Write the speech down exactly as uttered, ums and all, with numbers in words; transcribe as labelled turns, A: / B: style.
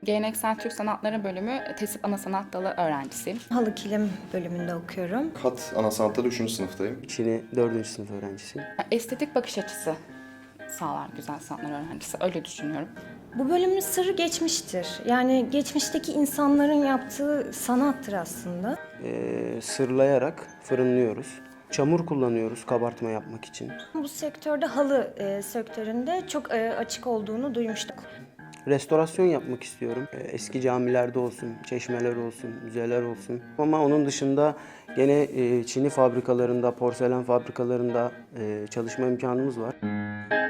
A: Geleneksel Türk Sanatları Bölümü TESİP Ana Sanat Dalı öğrencisiyim.
B: Halı kilim bölümünde okuyorum.
C: Kat ana sanatları üçüncü sınıftayım.
D: Çin'i dördüncü sınıf öğrencisiyim.
A: Estetik bakış açısı sağlar güzel sanatlar öğrencisi, öyle düşünüyorum.
B: Bu bölümün sırrı geçmiştir. Yani geçmişteki insanların yaptığı sanattır aslında.
D: Ee, sırlayarak fırınlıyoruz. Çamur kullanıyoruz kabartma yapmak için.
B: Bu sektörde halı e, sektöründe çok e, açık olduğunu duymuştuk.
D: Restorasyon yapmak istiyorum. Ee, Eski camilerde olsun, çeşmeler olsun, müzeler olsun. Ama onun dışında gene e, çini fabrikalarında, porselen fabrikalarında e, çalışma imkanımız var.